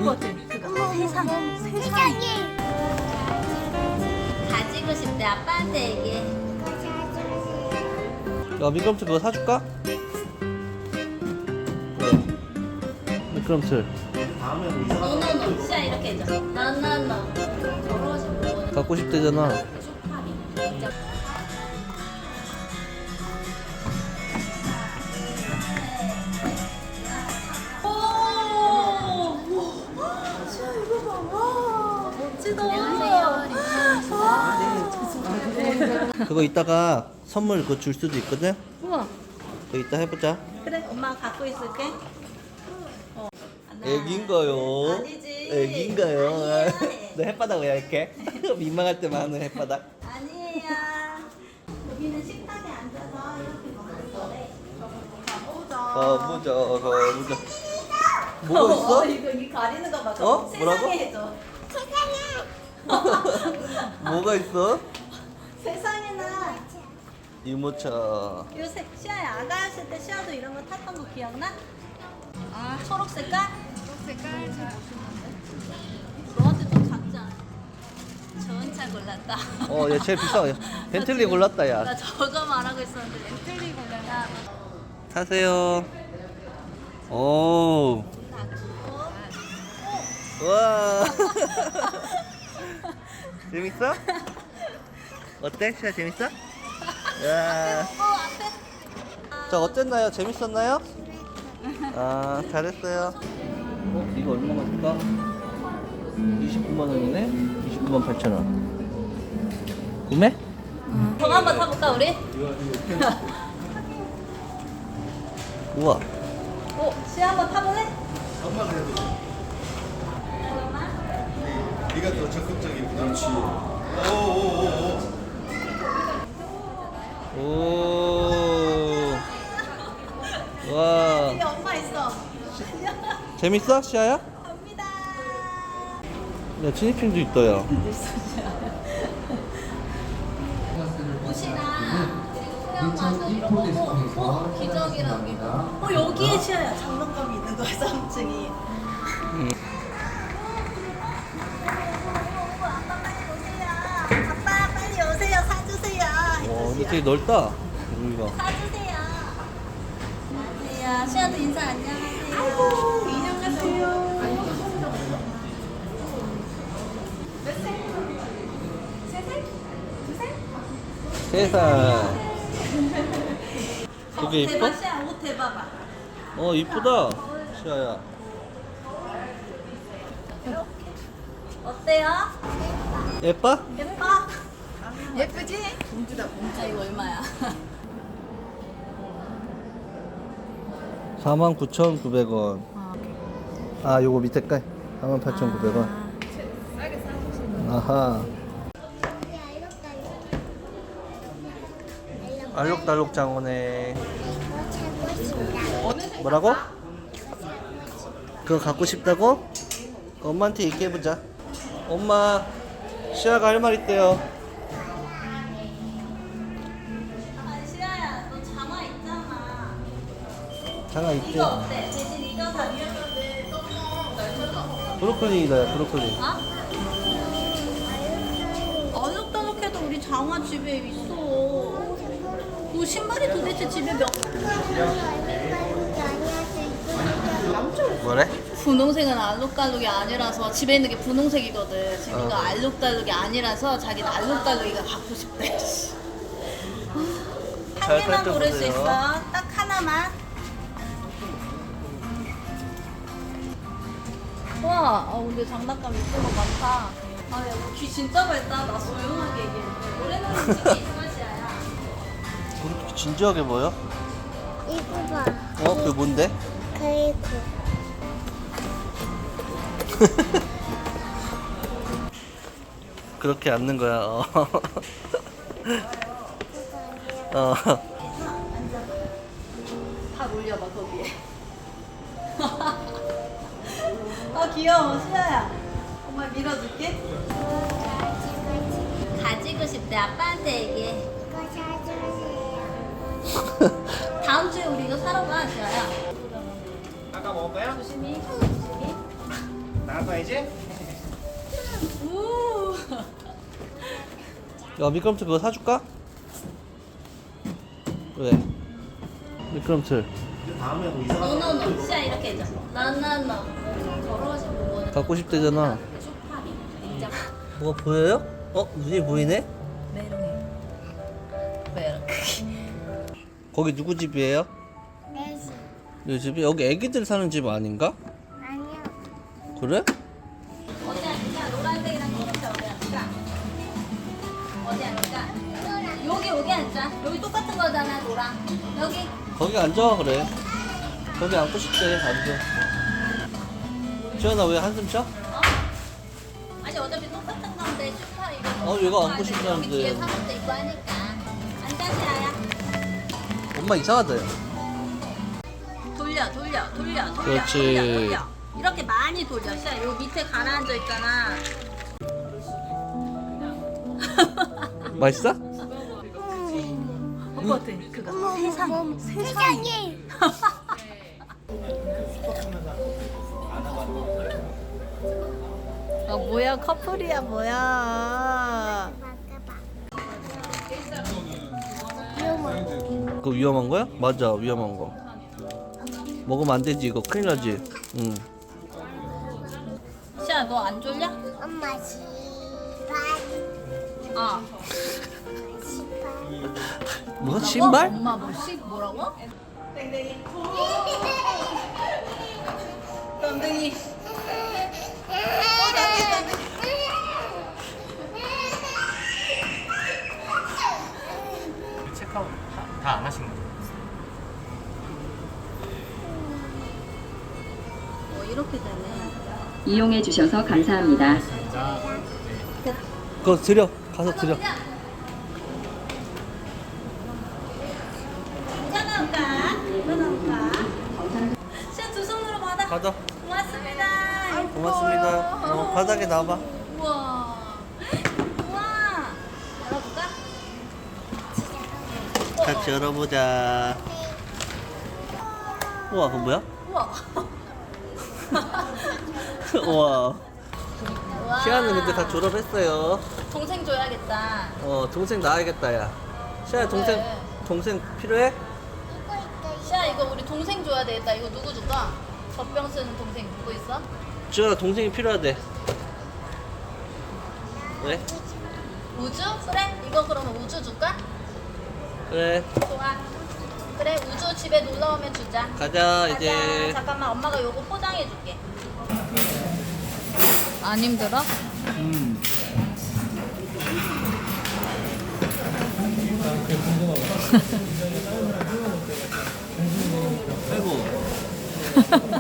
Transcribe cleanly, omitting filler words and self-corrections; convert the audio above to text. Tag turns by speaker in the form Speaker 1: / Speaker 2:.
Speaker 1: 것 같아. 그거 세상에. 가지고 싶대. 아빠한테 얘기해.
Speaker 2: 야, 미끄럼틀 그거 사줄까? 왜? 미끄럼틀
Speaker 1: 노노노. 시야 이렇게 해줘. 노노노. 더러워진 물건을.
Speaker 2: 갖고 싶대잖아.
Speaker 1: 쇼파리. 진짜.
Speaker 2: 그거 이따가 선물 그거 줄 수도 있거든?
Speaker 1: 우와.
Speaker 2: 그거 이따 해보자.
Speaker 1: 그래, 엄마가 갖고 있을게.
Speaker 2: 애기인가요?
Speaker 1: 아니지.
Speaker 2: 애기인가요?
Speaker 1: 아니에요.
Speaker 2: 너 햇바닥 왜 이렇게? 민망할 때만 하는 햇바닥.
Speaker 1: 아니에요. 여기는 식탁에 앉아서 이렇게 먹는 거래.
Speaker 2: 가보자. 뭐가 있어?
Speaker 1: 이거 가리는 거 봐.
Speaker 2: 어?
Speaker 1: 세상에
Speaker 2: 뭐라고?
Speaker 1: 해줘.
Speaker 2: 뭐가 있어?
Speaker 1: 세상에나.
Speaker 2: 유모차.
Speaker 1: 요새 시아야 아가였을 때 시아도 이런 거 탔던 거 기억나? 아 초록 색깔? 초록 색깔 너한테 좀 작자. 좋은 차 골랐다.
Speaker 2: 얘 제일 비싸. 벤틀리 골랐다,
Speaker 1: 나
Speaker 2: 야.
Speaker 1: 저거 말하고 있었는데 벤틀리 골랐다.
Speaker 2: 타세요. 오. 와. 재밌어? 어때? 시아 재밌어? 야.
Speaker 1: 앞에.
Speaker 2: 자, 어땠나요? 재밌었나요? 아, 잘했어요. 이거 얼마나 줄까? 29만 원이네? 29만 8천 원. 구매?
Speaker 1: 저거 한번 타볼까 우리?
Speaker 2: 우와.
Speaker 1: 시아 한번 타볼래?
Speaker 3: 네가 더 적극적인 그렇지. 오오오오.
Speaker 2: 오. 와.
Speaker 1: 뒤에 엄마 있어.
Speaker 2: 재밌어? 시아야?
Speaker 1: 갑니다.
Speaker 2: 야, 티니핑도 있다, 야.
Speaker 1: 옷이랑 그리고 수영화도 이런 거고 기저귀랑 이거. 여기에 시아야 장난감이 있는 거야 3층이. 아빠 빨리 오세요. 사주세요.
Speaker 2: 근데 되게 넓다. 여기가.
Speaker 1: 사주세요. 안녕하세요. 시아도 인사 안녕하세요. 아이고 인형 같아요.
Speaker 2: 세상. 그게 이뻐?
Speaker 1: 대박 시아 옷 대봐봐.
Speaker 2: 이쁘다. 시아야.
Speaker 1: 어때요?
Speaker 2: 예뻐?
Speaker 1: 예뻐? 예쁘지? 공주다 공주. 이거 얼마야?
Speaker 2: 49,900원. 아, 요거 밑에 깔. 48,900원. 아하. 알록달록 장어네. 뭐라고? 그거 갖고 싶다고? 엄마한테 얘기해보자. 엄마, 시아가 할 말 있대요.
Speaker 1: 아 시아야 너 장화 있잖아.
Speaker 2: 장아 있대.
Speaker 1: 이거 어때? 대신 이거 사.
Speaker 2: 브로콜리다, 야, 브로콜리.
Speaker 1: 어둑더둑해도 우리 장화 집에 있어. 그 신발이 도대체 집에 몇?
Speaker 2: 뭐래?
Speaker 1: 분홍색은 알록달록이 아니라서 집에 있는 게 분홍색이거든. 지민이가 알록달록이 아니라서 자기는 알록달록이가 갖고 싶대. 한
Speaker 2: 잘
Speaker 1: 개만 고를 수
Speaker 2: 살펴보세요.
Speaker 1: 있어. 딱 하나만. 와, 근데 장난감 이쁜 거 많다. 야, 너귀 진짜 밝다. 나 조용하게 얘기해. 노래는 솔직히 이맛이야.
Speaker 2: 그렇게 진지하게 보여?
Speaker 4: 이거 봐.
Speaker 2: 그게 뭔데?
Speaker 4: 그리고
Speaker 2: 그렇게 앉는 거야.
Speaker 1: 다 올려봐 거기에. 귀여워 시아야. 엄마 밀어줄게. 가지고 싶대. 아빠한테 얘기해.
Speaker 4: 이거 사주세요.
Speaker 1: 다음 주에 우리 이거 사러 가 시아야.
Speaker 3: 아까 먹을까요?
Speaker 1: 조심히.
Speaker 3: 아빠 이제?
Speaker 1: 우.
Speaker 2: 야 미끄럼틀 그거 사줄까? 왜? 미끄럼틀
Speaker 3: 다음에 뭐 이사
Speaker 1: 노노노. 시야 이렇게 해줘. 나나노. 더러워진 부분은
Speaker 2: 갖고 싶대잖아.
Speaker 1: 쇼파리. 냉장.
Speaker 2: 뭐가 보여요? 눈이 보이네?
Speaker 1: 메롱해. 메롱.
Speaker 2: 거기 누구 집이에요?
Speaker 4: 내 집.
Speaker 2: 이 집이? 여기 애기들 사는 집 아닌가?
Speaker 4: 아니야.
Speaker 2: 그래?
Speaker 1: 어디 앉을까? 노란색이랑 초록색 어디 앉을까? 어디 앉을까? 여기 앉자. 여기 똑같은 거잖아, 노랑. 여기.
Speaker 2: 거기 앉아 그래. 거기 앉고 싶대. 앉아. 지현아 왜 한숨 쉬어?
Speaker 1: 아니 어차피 똑같은 건데 쇼파 이거.
Speaker 2: 얘가 앉고 싶다는데.
Speaker 1: 여기 뒤에 사람도 있고 하니까. 앉아, 시아야.
Speaker 2: 엄마 이상하다 야.
Speaker 1: 돌려.
Speaker 2: 그렇지.
Speaker 1: 돌려. 이렇게 많이 돌려. 시아, 요 밑에 가라앉아 있잖아.
Speaker 2: 맛있어?
Speaker 1: 오빠한테 그거.
Speaker 4: 세상에.
Speaker 1: 뭐야, 커플이야, 뭐야.
Speaker 2: 그거 위험한 거야? 맞아 위험한 거. 먹으면 안 되지 이거 큰일 나지. 응.
Speaker 1: 시아, 너 안 졸려?
Speaker 4: 엄마 시발.
Speaker 1: 아.
Speaker 2: 뭐 신발?
Speaker 1: 엄마 뭐라고? 땡땡이. 땡땡이.
Speaker 3: 체크아웃 다 안 하신 거죠?
Speaker 1: 이렇게 되네.
Speaker 5: 이용해 주셔서 감사합니다.
Speaker 2: 그거 드려. 가서 드려.
Speaker 1: 괜찮을까? 시아 두 손으로 받아.
Speaker 2: 가자.
Speaker 1: 고맙습니다.
Speaker 2: 고맙습니다. 바닥에 놔봐.
Speaker 1: 우와. 우와. 열어볼까?
Speaker 2: 같이 열어보자. 우와 그거 뭐야?
Speaker 1: 우와.
Speaker 2: 우와.
Speaker 1: 우와.
Speaker 2: 시아는 근데 다 졸업했어요.
Speaker 1: 동생 줘야겠다.
Speaker 2: 동생 낳아야겠다 야. 시아야 동생 필요해?
Speaker 1: 시아 이거 우리 동생 줘야 되겠다. 이거 누구 줄까? 젖병 쓰는 동생 누구 있어?
Speaker 2: 지현아 동생이 필요하대. 왜?
Speaker 1: 우주? 그래? 이거 그러면 우주 줄까?
Speaker 2: 그래
Speaker 1: 좋아. 그래 우주 집에 놀러 오면 주자.
Speaker 2: 가자 이제.
Speaker 1: 잠깐만 엄마가 요거 포장해 줄게. 안 힘들어?
Speaker 2: 아이고